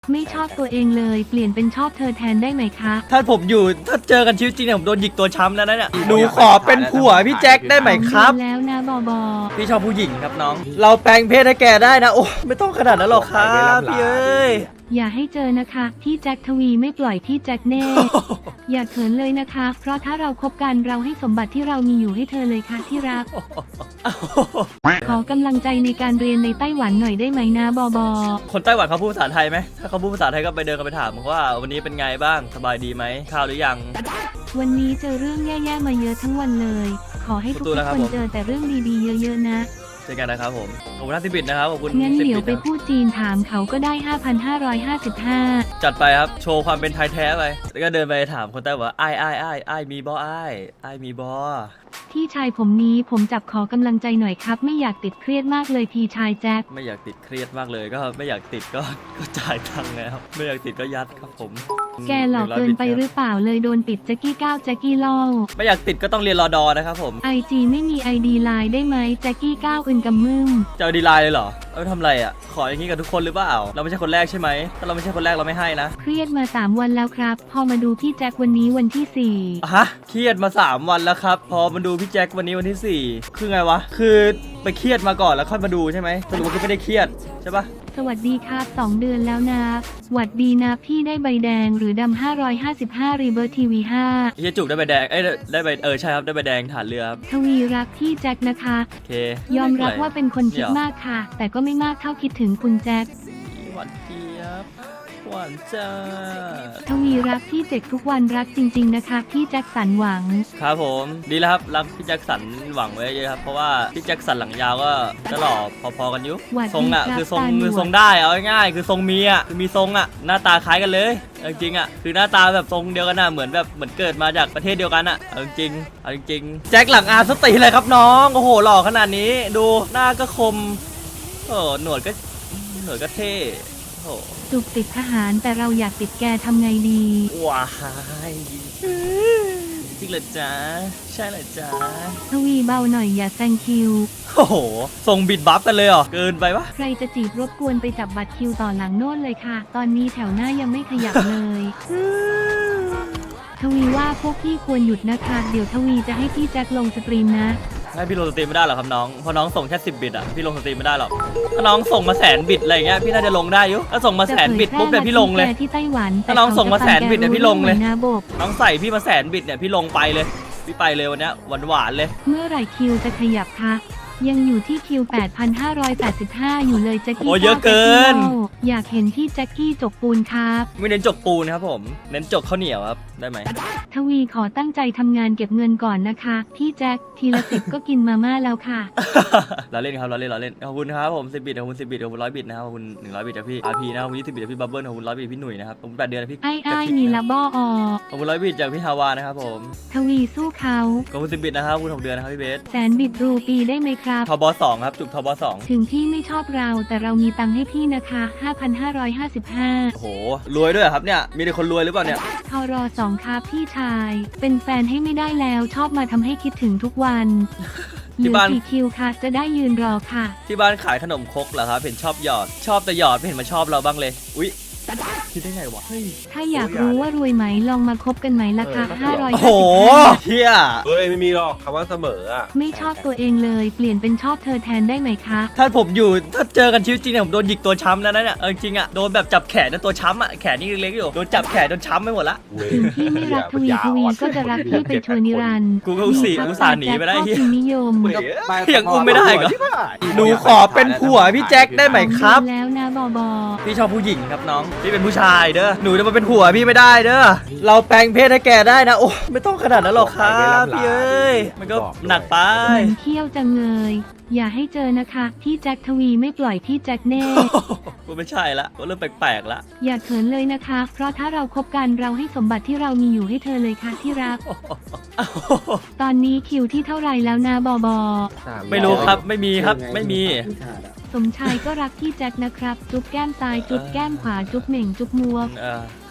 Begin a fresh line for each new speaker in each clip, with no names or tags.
ไม่ชอบตัวเองเลยเปลี่ยนเป็นชอบเธอแทนได้ไหมคะ
ถ้าผมอยู่ถ้าเจอกันชีวิตจริงเนี่ยผมโดนหยิกตัวช้ำแล้วนะเนี่ยหนูขอเป็นผัวพี่แจ็คได้ไหมครับ
แล้วนะบอบอ
พี่ชอบผู้หญิงครับน้องเราแปลงเพศให้แกได้นะโอ้ไม่ต้องขนาดนั้นหรอกครับพี่เอ้ย
อย่าให้เจอนะคะพี่แจ็คทวีไม่ปล่อยพี่แจ็คแน่ อย่าเขินเลยนะคะเพราะถ้าเราคบกันเราให้สมบัติที่เรามีอยู่ให้เธอเลยค่ะที่รัก ขอกำลังใจในการเรียนในไต้หวันหน่อยได้ไหมนะบอบอ
คนไต้หวันเขาพูดภาษาไทยไหมถ้าเขาพูดภาษาไทยก็ไปเดินกันไปถามว่าวันนี้เป็นไงบ้างสบายดีไหมข้าวหรือยัง
วันนี้เจอเรื่องแย่ๆมาเยอะทั้งวันเลยขอให้ทุกคนเจอแต่เรื่องดีๆเยอะๆนะ
เจอกันนะครับผมขอบคุณท่าน10 บิตนะครับขอบคุณ
งั้นเดี๋ยวไปพูดจีนถามเขาก็ได้ 5,555
จัดไปครับโชว์ความเป็นไทยแท้ไปแล้วก็เดินไปถามคนไต้หวันว่าไอ้มีบอไอ้มีบอ
พี่ชายผมนี้ผมจับขอกำลังใจหน่อยครับไม่อยากติดเครียดมากเลยพี่ชายแจ็ค
ไม่อยากติดเครียดมากเลยก็ไม่อยากติดก็จ่ายตังค์แล้วไม่อยากติดก็ยัดครับผม
แกหลอกเกินไปหรือเปล่าเลยโดนปิดแจ็คกี้9แจ็คกี้ล่อ
ไม่อยากติดก็ต้องเรียนรอดอนะครับผม
IG ไม่มี ID ไลน์ได้ไหมแจ็คกี้9อึนกำมึม
จะเอาดีไลน์เลยเหรอเอาทำไรอ่ะขออย่างนี้กับทุกคนหรือเปล่าเราไม่ใช่คนแรกใช่ไหมถ้าเราไม่ใช่คนแรกเราไม่ให้นะ
เครียดมา3วันแล้วครับพอมาดูพี่แจ็ควันนี้วันที่
4ฮะเครียดมา3วันแล้วครับพอมาดูพี่แจ็ควันนี้วันที่4คือไงวะคือไปเครียดมาก่อนแล้วค่อยมาดูใช่ไหมสรุปว่าคือไม่ได้เครียดใช่ปะ
สวัสดีครับ2 เดือนแล้วนะหวัดดีนะพี่ได้ใบแดงหรือดำ555รีเบิร์ตทีวี5
เฮียจุกได้ใบแดงได้ใบใช่ครับได้ใบแดงฐานเรือครับ
ทวีรักพี่แจ็คนะคะ
โอเค
ยอมรับว่าเป็นคนคิดมากค่ะแต่ก็ไม่มากเท่าคิดถึงคุณแจ็ค
หวานเจี๊ยบหวานจ้า
ทวีรักพี่แจ็คทุกวันรักจริงๆนะคะพี่แจ็คสันหวัง
ครับผมดีแล้วครับรักพี่แจ็คสันหวังไว้เยอะครับเพราะว่าพี่แจ็คสันหลังยาวก็หล่อพอๆกันยุทรงอ่ะคือทรงได้เอาง่ายๆคือทรงมีอ่ะคือมีทรงอ่ะหน้าตาคล้ายกันเลยจริงๆอ่ะคือหน้าตาแบบทรงเดียวกันน่ะเหมือนเกิดมาจากประเทศเดียวกันอ่ะเอาจริงแจ็คหลังอาสติเลยครับน้องโอ้โหหล่อขนาดนี้ดูหน้าก็คมโอ้หนวดก็เท่โอ้
จุกติดทหารแต่เราอยากติดแกทำไงดี
ว้ายจริงเหรอจ๊ะใช่เหรอจ๊ะ
ทวีเบาหน่อยอย่าแซงคิว
โอ้โหส่งบิดบัฟกันเลยเหรอเกินไปปะ
ใครจะจีบรบกวนไปจับบัตรคิวต่อหลังโน่นเลยค่ะตอนนี้แถวหน้ายังไม่ขยับเลยทวีว่าพวกพี่ควรหยุดนะคะเดี๋ยวทวีจะให้พี่แจ็คลงสตรีมนะ
ให้พี่ลงสตรีมไม่ได้หรอครับน้องเพราะน้องส่งแค่10 บิตอ่ะพี่ลงสตรีมไม่ได้หรอกถ้าน้องส่งมา100,000 บิตอะไรเงี้ยพี่น่าจะลงได้อยู่ถ้าส่งมา100,000 บิตปุ๊บเนี่ยพี่ลงเลย
ที่ไต้หวัน
ถ้าน้องส่งมา100,000 บิตเนี่ยพี่ลงเลยน้องใส่พี่มา100,000 บิตเนี่ยพี่ลงไปเลยพี่ไปเลยวันนี้หวานเลย
เมื่อไหร่คิวจะขยับคะยังอยู่ที่คิว 8,585 อยู่เลยแจ็คกี้
โอ้เยอะเกิน
อยากเห็นที่แจ็คกี้จกปูนครับ
ไม่เน้นจกปูนครับผมเน้นจกข้าวเหนียวครับได้ไหม
ทวีขอตั้งใจทำงานเก็บเงินก่อนนะคะพี่แจ็คทีละ10 ก็กินมาม่าแล้วค่ะ
เราเล่นครับเราเล่นขอบคุณครับผม10 บิตขอบคุณ10 บิตขอบคุณ100 บิตนะครับขอบคุณ100 บิตจากพี่RPนะครับขอบคุณ20 บิตจากพี่บับเบิ้ลขอบคุณ100 บิตพี่หนุ่ยนะครับขอบคุณ8 เดือนพี่
ไอ้นี่ละบ้อ
ขอบคุณ100 บิตจากพี่ฮาวานะครับผม
ทวีสู้เขา
ขอบคุณ10 บิตนะครับขอบคุณ6 เดือนนะครับพี่เบส
100,000 บิตรูปีได้ไหมครับ
ทบ2ครับจุกทบ2
ถึงพี่ไม่ชอบเราแต่เรามีตังค์ให้พี่นะคะ 5,555
โอ้โหรวยด้วยครับเนี่ยมีแต่คนรวยหรือเปล่าเนี่ย
ทร2ครับพี่ชายเป็นแฟนให้ไม่ได้แล้วชอบมาทำให้คิดถึงทุกวันที่บ้านคิวค่ะจะได้ยืนรอค่ะ
ที่บ้านขายขนมครกเหรอครับเห็นชอบหยอดชอบแต่หยอดไม่เห็นมาชอบเราบ้างเลยอุ๊ยคิดได้ไงวะ
ถ้าอยากรู้ว่ารวยไหมลองมาคบกันไหมล่ะคะ500
โอ้โหเฮีย
ไม่มีหรอกคำว่าเสมออ่ะ
ไม่ชอบตัวเองเลยเปลี่ยนเป็นชอบเธอแทนได้ไหมคะ
ถ้าผมอยู่ถ้าเจอกันชีวิตจริงเนี่ยผมโดนหยิกตัวช้ำแล้วนะเนี่ยจริงอ่ะโดนแบบจับแขนนะตัวช้ำอ่ะแขนนี่เล็กๆอยู่โดนจับแขนจนช้ำไปหมดละ
ถึงพี่ไม่รักทวีก็จะรักพี่ไปชั่วนิรันดร์
กูก็อุตส่าห์หนีไปได้
ที่นิยม
ยังอุ้มไม่ได้เหรอหนูขอเป็นผัวพี่แจ็คได้ไหมครับ
แล้วนะบอบอ
พี่ชอบผู้หญิงครับน้องพี่เป็นผู้ชายเด้อหนูจะมาเป็นผัวพี่ไม่ได้เด้อเราแปลงเพศให้แกได้นะโอ้ไม่ต้องขนาดนั้นหรอกครับพี่เอ้ยมันก็หนักไป
มันเที่ยวจังเลยอย่าให้เจอนะคะพี่แจ็คทวีไม่ปล่อยพี่แจ็คแน่
กูไม่ใช่ละกูเริ่มแปลกๆละ
อย่าเขินเลยนะคะเพราะถ้าเราคบกันเราให้สมบัติที่เรามีอยู่ให้เธอเลยค่ะที่รักตอนนี้คิวที่เท่าไหร่แล้วนะบอบอ
ไม่รู้ครับไม่มีครับไม่มี
สมชายก็รักพี่แจ็คนะครับจุ๊บแก้มซ้ายจุ๊บแก้มขวาจุ๊บเหม่งจุ๊บมัว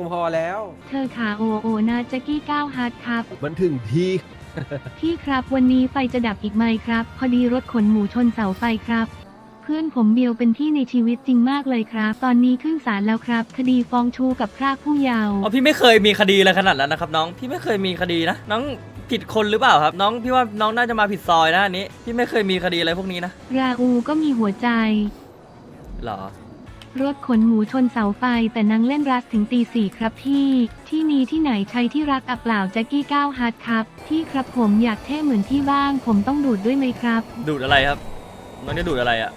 งพอแล้ว
เธอขาโอโอนะแจ็คกี้ก้าวฮาร์ดครับ
มันถึงที่
พี่ครับวันนี้ไฟจะดับอีกไหมครับ พอดีรถขนหมูชนเสาไฟครับ เพื่อนผมเบียวเป็นที่ในชีวิตจริงมากเลยครับ ตอนนี้ขึ้นศาลแล้วครับ คดีฟ้องชูกับพรากผู้เยาว์
อ๋อพี่ไม่เคยมีคดีอะไรขนาดนั้นนะครับน้องพี่ไม่เคยมีคดีนะน้องผิดคนหรือเปล่าครับน้องพี่ว่าน้องน่าจะมาผิดซอยนะอันนี้พี่ไม่เคยมีคดีอะไรพวกนี้นะ
ราอูก็มีหัวใจ
หรอ
รถขนหมูชนเสาไฟแต่นางเล่นรัสถึงตี 4ครับพี่ที่นี้ที่ไหนใช้ที่รักอับเปล่าแจ็คกี้ก้าวฮาร์ดครับพี่ครับผมอยากเท่เหมือนพี่บ้าง ผมต้องดูดด้วยไหมครับ
ดูดอะไรครับน้องจะดูดอะไรอ่ะ